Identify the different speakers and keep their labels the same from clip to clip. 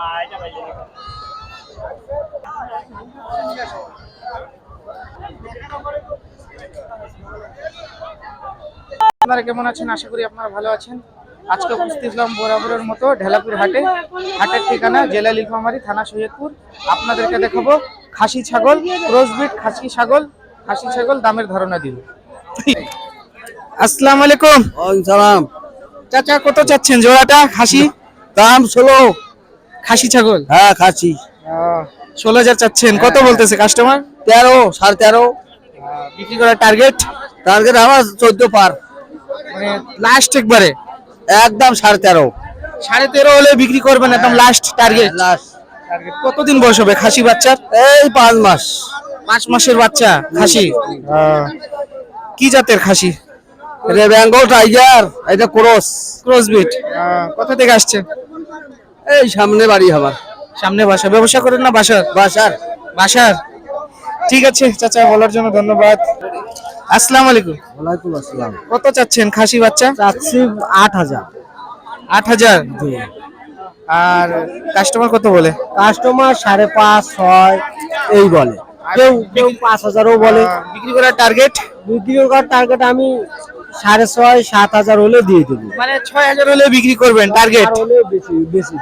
Speaker 1: আপনারা কেমন আছেন? আশা করি আপনারা ভালো আছেন। আজকে উপস্থিত হলাম বরাবরের মতো ঢেলাপুর হাটে। হাটের ঠিকানা জেলা নীলফামারী, থানা সৈয়দপুর। আপনাদেরকে দেখাবো খাসি ছাগল, ক্রসবিট খাসি ছাগল দামের ধারণা দিব। আসসালামু আলাইকুম।
Speaker 2: ওয়ালাইকুম সালাম।
Speaker 1: চাচা কত চাচ্ছেন জোড়াটা খাসি?
Speaker 2: দাম 16।
Speaker 1: খাসি ছাগল?
Speaker 2: হ্যাঁ খাসি।
Speaker 1: 16,000 চাচ্ছেন। কত বলতেছে কাস্টমার?
Speaker 2: 13, 13.5।
Speaker 1: বিক্রি করার টার্গেট?
Speaker 2: টার্গেট আমার 14 পার।
Speaker 1: মানে লাস্ট একবারে
Speaker 2: একদম 13.5।
Speaker 1: 13.5 হলে বিক্রি করবেন একদম লাস্ট টার্গেট?
Speaker 2: লাস্ট।
Speaker 1: কতদিন বয়স হবে খাসি বাচ্চার?
Speaker 2: এই 5 মাস।
Speaker 1: 5 মাসের বাচ্চা খাসি। কি জাতের খাসি?
Speaker 2: এটা বেঙ্গল টাইগার, এটা
Speaker 1: ক্রসবিট। কোথা থেকে আসছে?
Speaker 2: এই সামনে বাড়ি আমার।
Speaker 1: সামনে বাসা? ব্যবসা করেন না বাসার? বাসার। ঠিক আছে চাচা, বলার জন্য ধন্যবাদ। আসসালামু আলাইকুম।
Speaker 2: ওয়ালাইকুম আসসালাম।
Speaker 1: কত চাচ্ছেন খাসি বাচ্চা?
Speaker 2: চাচ্ছি 8,000।
Speaker 1: 8,000? আর কাস্টমার কত বলে?
Speaker 2: কাস্টমার 5.5, 6 এই বলে। কেউ 5,000ও বলে।
Speaker 1: বিক্রি করার টার্গেট?
Speaker 2: বিক্রি করার টার্গেট আমি 6.5, 7,000 হলে দিয়ে দেবো।
Speaker 1: মানে 6,000 হলে বিক্রি করবেন টার্গেট?
Speaker 2: হলে বেশি।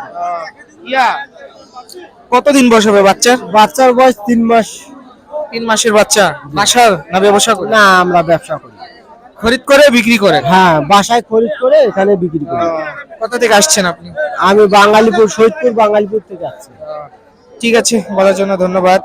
Speaker 1: কতদিন বয়স হবে বাচ্চার?
Speaker 2: বাচ্চার বয়স 3 মাস।
Speaker 1: 3 মাসের বাচ্চা। বাসার না ব্যবসা করেন?
Speaker 2: না, আমরা ব্যবসা করি।
Speaker 1: খরিদ করে বিক্রি করেন?
Speaker 2: হ্যাঁ, বাসায় খরিদ করে এখানে বিক্রি করি।
Speaker 1: কোথা থেকে আসছেন আপনি?
Speaker 2: আমি বাঙালিপুর, সৈয়দপুর বাঙালিপুর থেকে আসছি।
Speaker 1: ঠিক আছে, বলার জন্য ধন্যবাদ।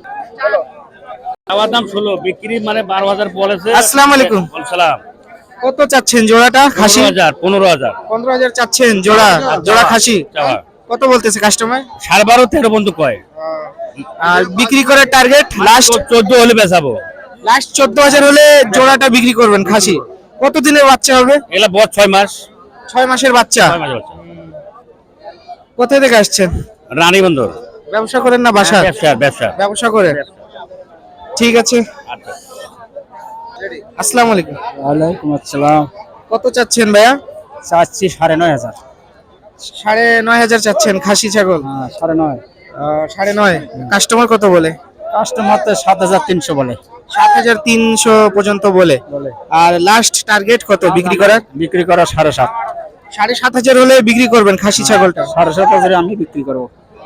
Speaker 3: আমার দাম 16, বিক্রি মানে 12,000 বলেছে।
Speaker 1: আসসালামু আলাইকুম।
Speaker 3: সালাম।
Speaker 1: কত চাচ্ছেন জোড়াটা খাসি?
Speaker 3: 15,000।
Speaker 1: 15,000 চাচ্ছেন জোড়া খাসি? কত বলতেছে কাস্টমার?
Speaker 3: 12.5, 13 পর্যন্ত কয়।
Speaker 1: আর বিক্রি করার টার্গেট লাস্ট
Speaker 3: 14 হলে বেচাবো।
Speaker 1: লাস্ট 14,000 হলে জোড়াটা বিক্রি করবেন খাসি। কত দিনের বাচ্চা হবে?
Speaker 3: এগুলা বয়স 6 মাস।
Speaker 1: 6 মাসের বাচ্চা।
Speaker 3: 6 মাসের বাচ্চা।
Speaker 1: কোথা থেকে আসছেন?
Speaker 3: রানী বন্দর।
Speaker 1: ব্যবসা করেন না বাসা?
Speaker 3: ব্যবসা।
Speaker 1: ব্যবসা করেন। ঠিক আছে।
Speaker 3: আচ্ছা।
Speaker 1: আসসালামু আলাইকুম।
Speaker 2: ওয়ালাইকুম আসসালাম।
Speaker 1: কত চাচ্ছেন ভাইয়া?
Speaker 2: চাচ্ছি 9.5,000।
Speaker 1: 9,500 চাচ্ছেন খাসি ছাগল?
Speaker 2: হ্যাঁ, 9.5।
Speaker 1: 9.5। কাস্টমার কত বলে?
Speaker 2: কাস্টমার তো 7,300 বলে।
Speaker 1: 7,300 পর্যন্ত বলে। আর লাস্ট টার্গেট কত বিক্রি করার?
Speaker 2: বিক্রি করা 7.5।
Speaker 1: 7,500 হলে বিক্রি করবেন খাসি ছাগলটা?
Speaker 2: 7.5 আমি বিক্রি করবো।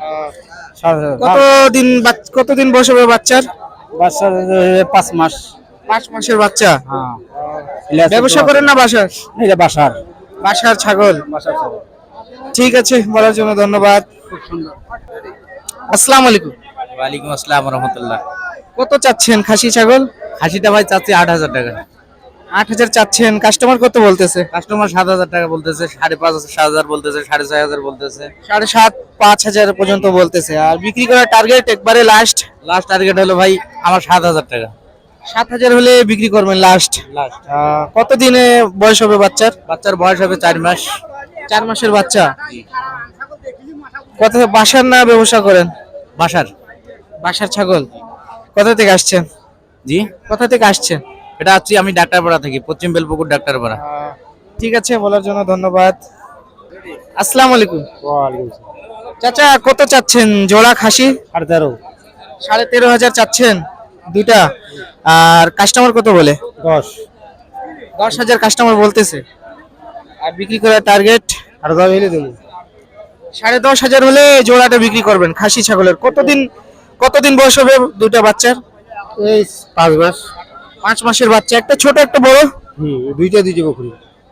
Speaker 1: কতদিন বয়স হবে বাচ্চার?
Speaker 2: বাচ্চার 5 মাস।
Speaker 1: 5 মাসের বাচ্চা।
Speaker 2: হ্যাঁ।
Speaker 1: ব্যবসা করেন না বাসার?
Speaker 2: এটা
Speaker 1: বাসার ছাগল। ঠিক আছে, বলার জন্য ধন্যবাদ। আসসালামু আলাইকুম।
Speaker 4: ওয়ালাইকুম আসসালাম রহমতুল্লাহ।
Speaker 1: কত চাচ্ছেন খাসি ছাগল?
Speaker 4: খাসিটা ভাই চাচ্ছি 8,000 টাকা।
Speaker 1: 8,000 চাচ্ছেন। কাস্টমার কত বলতেছে?
Speaker 4: কাস্টমার 7,000 টাকা বলতেছে, 5,500, 7,000 বলতেছে, 6,500 বলতেছে,
Speaker 1: 7,500, 5,000 পর্যন্ত বলতেছে। আর বিক্রি করার টার্গেট একবারে লাস্ট
Speaker 4: টার্গেট হলো ভাই আমার 7,000 টাকা।
Speaker 1: 7,000 হলে বিক্রি করবেন লাস্ট। কত দিনে বয়স হবে বাচ্চার?
Speaker 4: বাচ্চার বয়স হবে 4 মাস।
Speaker 1: 4 মাসের বাচ্চা। কত বাসার না ব্যবসা করেন? বাসার ছাগল। কোথা থেকে আসছেন?
Speaker 4: জি,
Speaker 1: কোথা থেকে আসছেন?
Speaker 4: এটা আছি আমি ডাক্তারপাড়া থেকে, পশ্চিম বেলপুকুর ডাক্তারপাড়া।
Speaker 1: ঠিক আছে, বলার জন্য ধন্যবাদ। আসসালামু আলাইকুম। চাচা কত চাচ্ছেন জোড়া খাসি?
Speaker 2: 13.5।
Speaker 1: 13,500 চাচ্ছেন দুইটা। আর কাস্টমার কত বলে? 10,000 কাস্টমার বলতেছে। আর বিক্রি করার টার্গেট?
Speaker 2: 10,000 হলে দেবো।
Speaker 1: 10,500 হলে জোড়াটা বিক্রি করবেন খাসি ছাগলের। কতদিন বয়স হবে দুইটা বাচ্চার?
Speaker 2: এই 5 মাস।
Speaker 1: 5 মাসের বাচ্চা, একটা ছোট একটা বড়।
Speaker 2: দুইটা বকরি।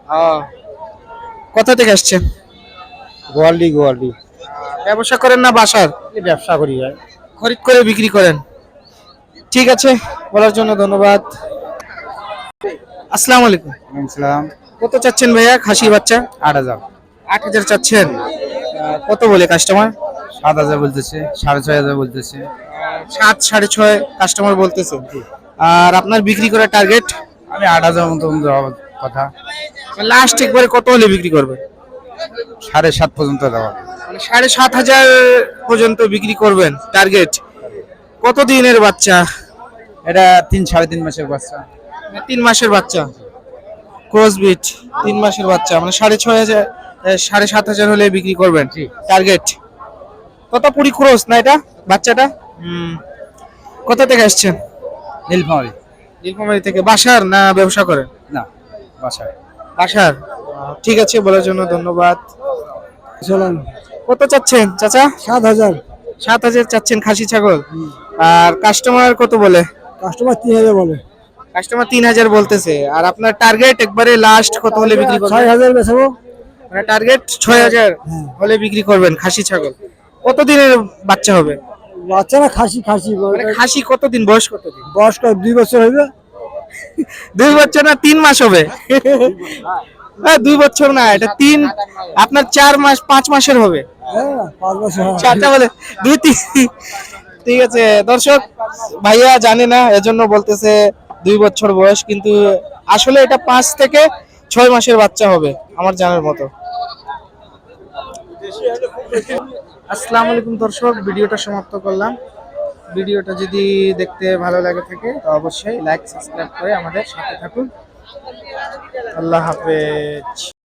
Speaker 1: কোথা থেকে আসছেন?
Speaker 2: গোয়ালদি।
Speaker 1: ব্যবসা করেন না বাসার?
Speaker 2: ব্যবসা করি ভাই।
Speaker 1: খরিদ করে বিক্রি করেন। ঠিক আছে, বলার জন্য ধন্যবাদ। আসসালামু আলাইকুম।
Speaker 2: সালাম।
Speaker 1: কত চাচ্ছেন ভাইয়া খাসি বাচ্চা?
Speaker 2: 8,000।
Speaker 1: 8,000 চাচ্ছেন। কত বলে কাস্টমার?
Speaker 2: 7,000 বলতেছে, 6,500 বলতেছে।
Speaker 1: 7, 6.5 কাস্টমার বলতেছে। আর আপনার বিক্রি করার টার্গেট?
Speaker 2: আমি 8,000 মতো দেওয়ার কথা।
Speaker 1: লাস্ট একবারে কত হলে বিক্রি করবে?
Speaker 2: 7.5 পর্যন্ত দেওয়া।
Speaker 1: মানে 7,500 পর্যন্ত বিক্রি করবেন টার্গেট। কত দিনের বাচ্চা?
Speaker 2: এটা 3-3.5 মাসের বাচ্চা।
Speaker 1: 3 মাসের বাচ্চা। ক্রসবিট 3 মাসের বাচ্চা, মানে 6,500, 7,500 হলে বিক্রি করবেন টার্গেট। তোতাপুরি ক্রস না এটা বাচ্চাটা? কোথা থেকে আসছেন?
Speaker 2: নীলফামারী।
Speaker 1: নীলফামারী থেকে। বাসার না ব্যবসা করেন?
Speaker 2: না, বাসায়।
Speaker 1: বাসার। ঠিক আছে, বলার জন্য ধন্যবাদ।
Speaker 2: চলেন।
Speaker 1: কত চাচ্ছেন চাচা?
Speaker 2: 7,000।
Speaker 1: 7,000 চাচ্ছেন খাসি ছাগল। আর কাস্টমার কত বলে?
Speaker 2: কাস্টমার 3,000 বলে।
Speaker 1: কাস্টমার 3,000 বলতেছে। আর আপনার টার্গেট একবারে লাস্ট কত হলে বিক্রি করবেন?
Speaker 2: 6,000 বেচবো।
Speaker 1: মানে টার্গেট 6,000 হলে বিক্রি করবেন খাসি ছাগল। কতদিনের বাচ্চা হবে?
Speaker 2: বাচ্চারা খাসি
Speaker 1: মানে খাসি কতদিন, বয়স কতদিন?
Speaker 2: বয়স 2 বছর হইবে।
Speaker 1: 2 বছর না 3 মাস হবে? 2 বছর না, এটা 3, আপনার 4 মাস 5 মাসের হবে।
Speaker 2: হ্যাঁ, 5 বছর।
Speaker 1: চারটা বলে 2-3। ঠিক আছে দর্শক, ভাইয়া জানে না এজন্য বলতেছে 2 বছর বয়স, কিন্তু আসলে এটা 5 থেকে 6 মাসের বাচ্চা হবে আমার জানার মতো। আসসালামু আলাইকুম দর্শক, ভিডিওটা সমাপ্ত করলাম। ভিডিওটা যদি দেখতে ভালো লাগে থাকে তো অবশ্যই লাইক সাবস্ক্রাইব করে আমাদের সাথে থাকুন। আল্লাহ হাফেজ।